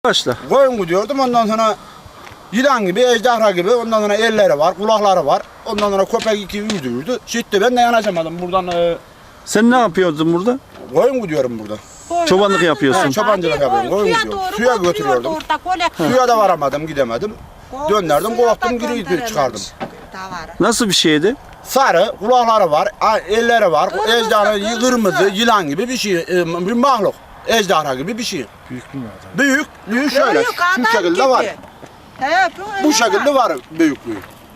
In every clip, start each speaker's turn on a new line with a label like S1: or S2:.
S1: Başla.
S2: Koyun gidiyordum, ondan sonra yılan gibi, ejderha gibi, ondan sonra elleri var, kulakları var. Ondan sonra köpek iki yürüdü. Şitti, ben de yanaşamadım buradan.
S1: Sen ne yapıyordun burada?
S2: Koyun gidiyorum burada.
S1: Çobanlık yapıyorsun.
S2: Ha, çobancılık yapıyorum, koyun gidiyorum. Suya götürüyordum. Suya da varamadım, gidemedim. Döndürdüm, kovdum, geri çıkardım.
S1: Nasıl bir şeydi?
S2: Sarı, kulakları var, elleri var, ejderha, kırmızı, yılan gibi bir şey, bir mahluk. Ejderha gibi bir şey.
S3: Büyük mü adam?
S2: Büyük şöyle, şu şekilde var. Bu şekilde var büyüklüğü.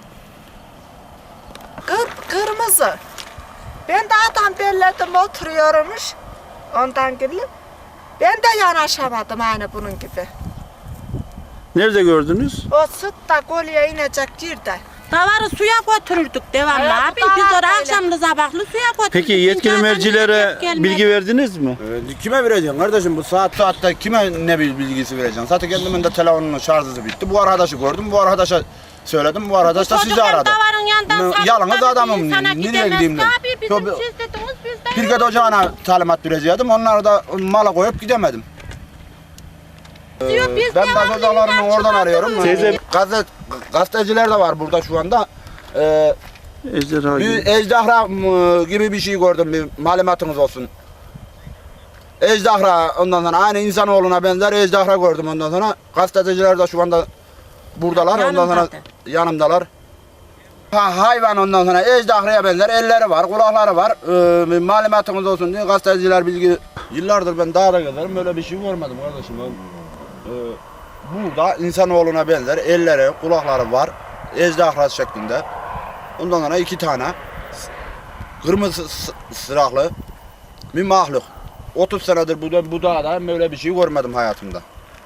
S4: Kırmızı. Ben de adam belledim oturuyormuş. Ondan gelip ben de yanaşamadım aynı bunun gibi.
S1: Nerede gördünüz?
S4: O sıt da kolye inecek yerde.
S5: Davarı suya götürürdük devamlı abi. Biz oraya akşamlı sabahlı suya götürürdük.
S1: Peki yetkili mercilere bilgi verdiniz mi?
S2: Kime vereceksin kardeşim, bu saatte kime ne bilgisi vereceksin? Zaten kendimin de telefonunun şarjı bitti. Bu arkadaşı gördüm, bu arkadaşa söyledim, bu arkadaş da sizi aradı. Yalnız adamım, nereye gideyim ben?
S5: Abi bizim siz dediniz biz de.
S2: Pirket ocağına talimat verecektim, onları da mala koyup gidemedim. Ben başhocalarını oradan arıyorum.
S1: Teyze-
S2: Gazeteciler de var burada şu anda.
S1: Ejderha
S2: Bir
S1: gibi.
S2: ejderha gibi bir şey gördüm, bir malumatınız olsun. Ejderha, ondan sonra aynı insanoğluna benzer ejderha gördüm, ondan sonra gazeteciler de şu anda buradalar, ondan sonra yanımdalar. Hayvan, ondan sonra ejderhaya benzer elleri var, kulakları var. Bir malumatınız olsun diye gazeteciler bilgi. Yıllardır ben dağda gezerim, böyle bir şey görmedim kardeşim. Burada insanoğluna benzer elleri, kulakları var, ejderha şeklinde. Ondan sonra iki tane kırmızı sıraklı bir mahluk. 30 senedir bu dağda böyle bir şey görmedim hayatımda.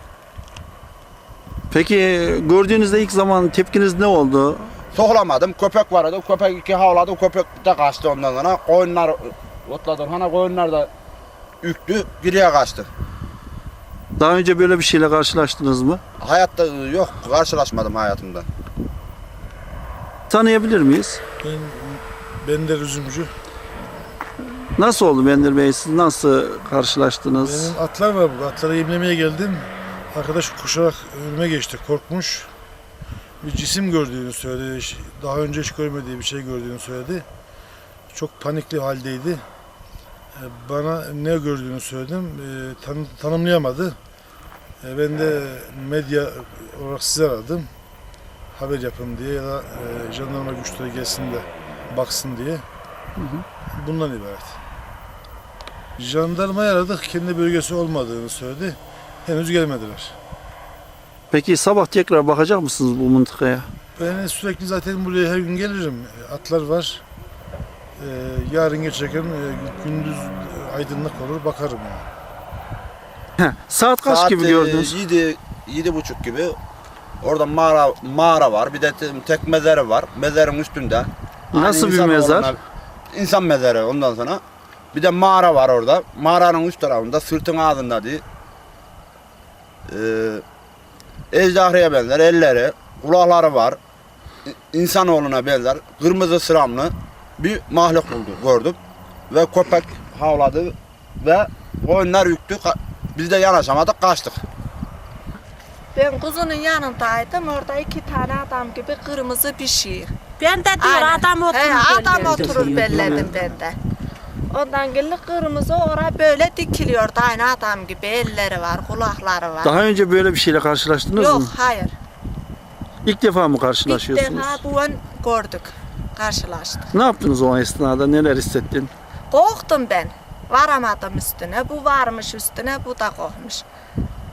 S1: Peki gördüğünüzde ilk zaman tepkiniz ne oldu?
S2: Soğlamadım, köpek vardı, köpek iki havladı, köpek de kaçtı ondan sonra. Koyunlar otladı, hani koyunlar da üktü, geriye kaçtı.
S1: Daha önce böyle bir şeyle karşılaştınız mı?
S2: Hayatta yok, karşılaşmadım hayatımda.
S1: Tanıyabilir miyiz?
S3: Bender üzümcü.
S1: Nasıl oldu Bender Bey? Siz nasıl karşılaştınız?
S3: Benim atlar var burada. Atları yemlemeye geldim. Arkadaş koşarak önüme geçti. Korkmuş. Bir cisim gördüğünü söyledi. Daha önce hiç görmediği bir şey gördüğünü söyledi. Çok panikli haldeydi. Bana ne gördüğünü söyledim. Tanımlayamadı. Ben de medya olarak sizi aradım. Haber yapın diye ya da jandarma güçleri gelsin de baksın diye. Bundan ibaret. Jandarmayı aradık. Kendi bölgesi olmadığını söyledi. Henüz gelmediler.
S1: Peki sabah tekrar bakacak mısınız bu mıntıkaya?
S3: Ben sürekli zaten buraya her gün gelirim. Atlar var. Yarın geçerken gündüz aydınlık olur, bakarım yani.
S1: Saat kaç gibi gördünüz?
S2: 7:30 gibi. Orada mağara var, bir de tek mezarı var. Mezarın üstünde.
S1: Nasıl bir
S2: İnsan
S1: mezar?
S2: İnsan mezarı ondan sonra. Bir de mağara var orada. Mağaranın üst tarafında, sırtın ağzında diye. Ejderhaya benzer elleri, kulakları var. İnsanoğluna benzer kırmızı sıramlı bir mahluk gördüm. Ve köpek havladı ve koyunlar yüktü. Biz de yanaşamadık, kaçtık.
S4: Ben kuzunun yanındaydım. Orada iki tane adam gibi kırmızı bir şey.
S5: Ben de diyor adam oturur.
S4: Adam oturur belledim ben de. Ondan gelip kırmızı oraya böyle dikiliyordu. Aynı adam gibi elleri var, kulakları var.
S1: Daha önce böyle bir şeyle karşılaştınız
S4: Yok,
S1: mı?
S4: hayır.
S1: İlk defa mı
S4: İlk
S1: karşılaşıyorsunuz?
S4: defa bu an gördük, karşılaştık.
S1: Ne yaptınız o esnada? Neler hissettin?
S4: Korktum ben. Varamadım üstüne. Bu varmış üstüne, bu da korkmuş.